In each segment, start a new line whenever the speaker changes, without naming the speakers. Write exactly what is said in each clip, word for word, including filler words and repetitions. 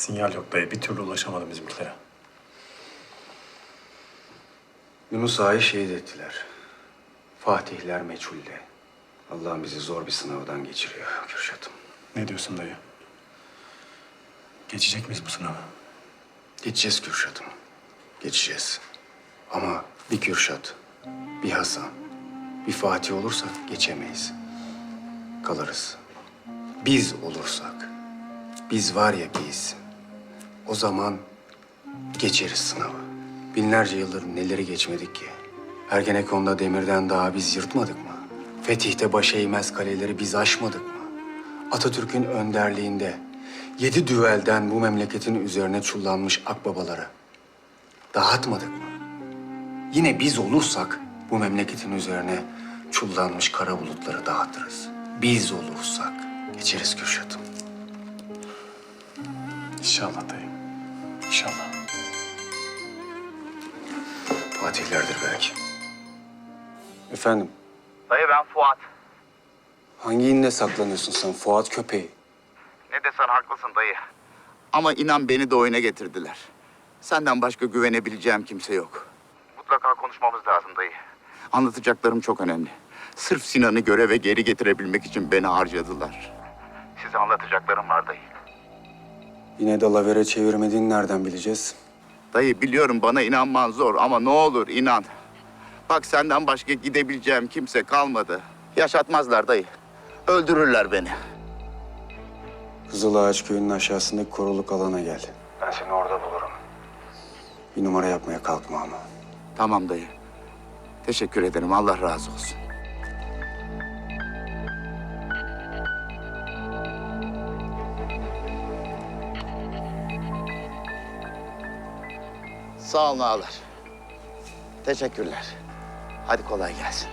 Sinyal yok dayı. Bir türlü ulaşamadım bizimkilere.
Yunus Ağa'yı şehit ettiler. Fatihler meçhulde. Allah bizi zor bir sınavdan geçiriyor Kürşat'ım.
Ne diyorsun dayı? Geçecek miyiz bu sınavı?
Geçeceğiz Kürşat'ım. Geçeceğiz. Ama bir Kürşat, bir Hasan, bir Fatih olursak geçemeyiz. Kalırız. Biz olursak, biz var ya biz, o zaman geçeriz sınavı. Binlerce yıldır neleri geçmedik ki? Ergenekon'da demirden daha biz yırtmadık mı? Fetih'te baş eğmez kaleleri biz aşmadık mı? Atatürk'ün önderliğinde yedi düvelden bu memleketin üzerine çullanmış akbabaları dağıtmadık mı? Yine biz olursak bu memleketin üzerine çullanmış kara bulutları dağıtırız. Biz olursak geçeriz Kürşat'ım.
İnşallah dayı. İnşallah.
Fatihlerdir belki. Efendim,
Dayı ben Fuat.
hangi inle saklanıyorsun sen Fuat köpeği?
Ne desen haklısın dayı. Ama inan beni de oyuna getirdiler. Senden başka güvenebileceğim kimse yok. Mutlaka konuşmamız lazım dayı. Anlatacaklarım çok önemli. Sırf Sinan'ı göreve geri getirebilmek için beni harcadılar. Size anlatacaklarım var dayı.
Yine dalavere çevirmediğini nereden bileceğiz?
Dayı biliyorum bana inanman zor ama ne olur inan. Bak senden başka gidebileceğim kimse kalmadı. Yaşatmazlar dayı. Öldürürler beni.
Kızılağaç köyünün aşağısındaki koruluk alana gel. Ben seni orada bulurum. Bir numara yapmaya kalkma ama.
Tamam dayı. Teşekkür ederim. Allah razı olsun. Sağ olun ağalar. Teşekkürler. Hadi kolay gelsin.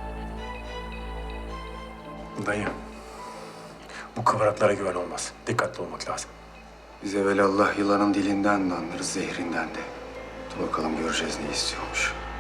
Dayı. Bu kıvraklara güven olmaz. Dikkatli olmak lazım.
Biz evvelallah yılanın dilinden de anlarız, zehrinden de. Dur bakalım göreceğiz ne istiyormuş.